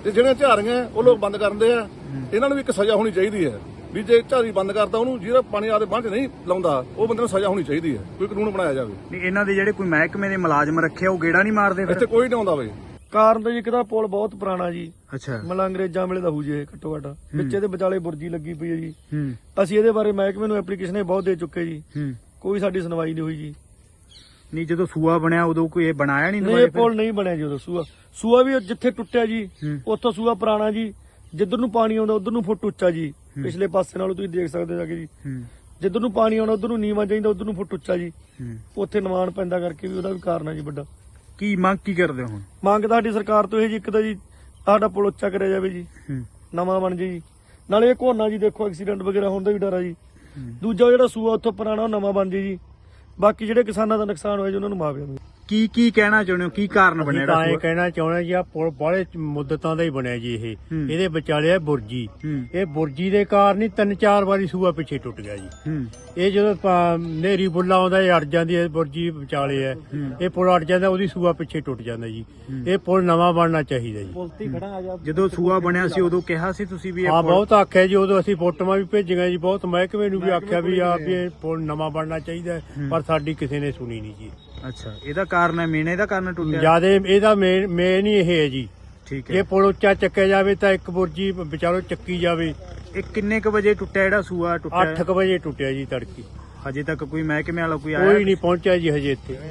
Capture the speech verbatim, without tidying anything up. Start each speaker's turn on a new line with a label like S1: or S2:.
S1: ਤੇ ਜਿਹੜੇ ਝਾਰੀਆਂ ਉਹ ਲੋਕ ਬੰਦ ਕਰਦੇ ਆ, ਇਹਨਾਂ ਨੂੰ ਵੀ ਇੱਕ ਸਜ਼ਾ ਹੋਣੀ ਚਾਹੀਦੀ ਹੈ ਵੀ ਜੇ ਝਾਰੀ ਬੰਦ ਕਰਦਾ ਉਹਨੂੰ ਜਿਹੜਾ ਪਾਣੀ ਆਦੇ ਬੰਦ ਨਹੀਂ ਲਾਉਂਦਾ ਉਹ ਬੰਦੇ ਨੂੰ ਸਜ਼ਾ ਹੋਣੀ ਚਾਹੀਦੀ ਹੈ, ਕੋਈ ਕਾਨੂੰਨ ਬਣਾਇਆ ਜਾਵੇ।
S2: ਨਹੀਂ ਇਹਨਾਂ ਦੇ ਜਿਹੜੇ ਕੋਈ ਮਹਿਕਮੇ ਦੇ ਮੁਲਾਜ਼ਮ ਰੱਖੇ ਉਹ ਗੇੜਾ ਨਹੀਂ ਮਾਰਦੇ ਫਿਰ?
S1: ਇੱਥੇ ਕੋਈ ਨਹੀਂ ਆਉਂਦਾ ਬਈ।
S3: ਕਾਰਨ ਤਾਂ ਜੀ ਇੱਕ ਤਾਂ ਪੁਲ ਬਹੁਤ ਪੁਰਾਣਾ ਜੀ,
S2: ਅੱਛਾ
S3: ਮਤਲਬ ਅੰਗਰੇਜ਼ਾਂ ਵੇਲੇ ਦਾ ਹੋਊ ਜੀ, ਘੱਟੋ ਘੱਟ ਵਿੱਚ ਇਹਦੇ ਵਿਚਾਲੇ ਬੁਰਜੀ ਲੱਗੀ ਪਈ ਹੈ ਜੀ।
S2: ਹੂੰ
S3: ਅਸੀਂ ਇਹਦੇ ਬਾਰੇ ਮਹਿਕਮੇ ਨੂੰ ਐਪਲੀਕੇਸ਼ਨ ਬਹੁਤ ਦੇ ਚੁੱਕੇ ਜੀ,
S2: ਹੂੰ
S3: ਕੋਈ ਸਾਡੀ ਸੁਣਵਾਈ ਨਹੀਂ ਹੋਈ ਜੀ।
S2: ਨਹੀਂ ਜਦੋਂ ਸੂਆ ਬਣਿਆ ਉਦੋਂ ਕੋਈ ਇਹ ਬਣਾਇਆ ਨਹੀਂ?
S3: ਨਹੀਂ ਇਹ ਪੁਲ ਨਹੀਂ ਬਣਿਆ ਜੀ ਉਦੋਂ। ਸੂਆ ਸੂਆ ਵੀ ਜਿੱਥੇ ਟੁੱਟਿਆ ਜੀ
S2: ਹੂੰ।
S3: ਉੱਥੋਂ ਸੂਆ ਪੁਰਾਣਾ ਜੀ, ਜਿੱਧਰ ਨੂੰ ਪਾਣੀ ਆਉਂਦਾ ਉਧਰ ਨੂੰ ਫੁੱਟ ਉੱਚਾ ਜੀ, ਪਿਛਲੇ ਪਾਸੇ ਨਾਲੋਂ ਤੁਸੀਂ ਦੇਖ ਸਕਦੇ ਹੋ ਜਾ ਕੇ ਜੀ।
S2: ਹੂੰ
S3: ਜਿੱਧਰ ਨੂੰ ਪਾਣੀ ਆਉਣਾ ਉਧਰ ਨੂੰ ਨੀਵਾਂ ਚਾਹੀਦਾ, ਉਧਰ ਨੂੰ ਫੁੱਟ ਉੱਚਾ ਜੀ,
S2: ਹੂੰ
S3: ਉੱਥੇ ਨਿਵਾਣ ਪੈਂਦਾ ਕਰਕੇ ਵੀ ਉਹਦਾ ਵੀ ਕਾਰਨ ਹੈ ਜੀ ਵੱਡਾ।
S2: ਕੀ ਮੰਗ ਕੀ ਕਰਦੇ ਹੋ ਹੁਣ?
S3: ਮੰਗ ਤਾਂ ਸਾਡੀ ਸਰਕਾਰ ਤੋਂ ਇਹ ਜੀ, ਇੱਕ ਤਾਂ ਜੀ ਸਾਡਾ ਪੁਲ ਉੱਚਾ ਕਰਿਆ ਜਾਵੇ ਜੀ,
S2: ਹੂੰ
S3: ਨਵਾਂ ਬਣ ਜੇ ਜੀ। ਨਾਲੇ ਇਹ ਘੋਨਾ ਜੀ ਦੇਖੋ ਐਕਸੀਡੈਂਟ ਵਗੈਰਾ ਹੋਣ ਦਾ ਵੀ ਡਰ ਆ ਜੀ। ਦੂਜਾ ਜਿਹੜਾ ਸੂਆ ਉੱਥੋਂ ਪੁਰਾਣਾ ਉਹ ਨਵਾਂ ਬਣ ਜੇ ਜੀ। ਬਾਕੀ ਜਿਹੜੇ ਕਿਸਾਨਾਂ ਦਾ ਨੁਕਸਾਨ ਹੋਇਆ ਜੀ ਉਹਨਾਂ ਨੂੰ ਮੁਆਵਜ਼ਾ ਮਿਲੇ।
S2: ਕੀ ਕੀ ਕਹਿਣਾ ਚਾਹੁੰਦੇ ਹੋ, ਕੀ ਕਾਰਨ ਬਣਿਆ
S4: ਤਾਂ ਇਹ
S2: ਜਿਹੜਾ?
S4: ਕਹਿਣਾ ਚਾਹੁੰਦਾ ਜੀ ਆ ਪੁਲ ਬਾਹਲੇ ਮੁੱਦਤਾਂ ਦਾ ਹੀ ਬਣਿਆ ਜੀ ਇਹ।
S2: ਹੂੰ।
S4: ਇਹਦੇ ਵਿਚਾਲੇ ਆ ਬੁਰਜੀ,
S2: ਹੂੰ
S4: ਇਹ ਬੁਰਜੀ ਦੇ ਕਾਰਨ ਹੀ ਤਿੰਨ ਚਾਰ ਵਾਰੀ ਸੂਆ ਪਿੱਛੇ ਟੁੱਟ ਗਿਆ ਜੀ।
S2: ਹੂੰ
S4: ਇਹ ਜਦੋਂ ਪ- ਨੇਰੀ ਬੁੱਲਾ ਆਉਂਦਾ ਇਹ ਅੜ ਜਾਂਦੀ ਹੈ, ਬੁਰਜੀ ਵਿਚਾਲੇ ਹੈ, ਇਹ ਪੁਲ ਅੜ ਜਾਂਦਾ, ਉਹਦੀ ਸੂਆ ਪਿੱਛੇ ਟੁੱਟ ਜਾਂਦਾ ਜੀ। ਇਹ ਪੁਲ ਨਵਾਂ ਬਣਨਾ ਚਾਹੀਦਾ ਜੀ।
S2: ਜਦੋਂ ਸੂਆ ਬਣਿਆ ਸੀ ਉਦੋਂ ਕਿਹਾ ਸੀ ਤੁਸੀਂ ਵੀ ਇਹ
S4: ਹਾਂ
S2: ਪੁਲ-
S4: ਬਹੁਤ ਆਖਿਆ ਜੀ, ਉਦੋਂ ਅਸੀਂ ਫੋਟੋਆਂ ਵੀ ਭੇਜੀਆਂ ਜੀ, ਬਹੁਤ ਮਹਿਕਮੇ ਨੂੰ ਵੀ ਆਖਿਆ ਵੀ ਆ ਵੀ ਇਹ ਪੁਲ ਨਵਾਂ ਬਣਨਾ ਚਾਹੀਦਾ ਹੈ, ਪਰ ਸਾਡੀ ਕਿਸੇ ਨੇ ਸੁਣੀ ਨਹੀਂ ਜੀ।
S2: ਅੱਛਾ ਇਹਦਾ ਕਾਰਨ ਹੈ ਮੇਨ, ਇਹਦਾ ਕਾਰਨ ਟੁੱਟਿਆ?
S4: ਜਿਆਦਾ ਇਹਦਾ ਮੇਨ ਮੇਨ ਹੀ ਇਹ ਹੈ ਜੀ।
S2: ਠੀਕ
S4: ਇਹ
S2: ਹੈ।
S4: ਪੁਲ ਉੱਚਾ ਚੱਕਿਆ ਜਾਵੇ ਤਾਂ ਇੱਕ ਬੁਰਜੀ ਵਿਚਾਰੋਂ ਚੱਕੀ ਜਾਵੇ।
S2: ਇਹ ਕਿੰਨੇ ਕ ਵਜੇ ਟੁੱਟਿਆ ਜਿਹੜਾ ਸੂਆ ਟੁੱਟਿਆ?
S4: ਅੱਠ ਕੁ ਵਜੇ ਟੁੱਟਿਆ ਜੀ ਤੜਕੀ।
S2: ਹਜੇ ਤੱਕ ਕੋਈ ਮਹਿਕਮੇ ਵਾਲਾ ਕੋਈ ਆਇਆ?
S4: ਕੋਈ ਨਹੀਂ ਪਹੁੰਚਿਆ ਜੀ ਹਜੇ ਇੱਥੇ।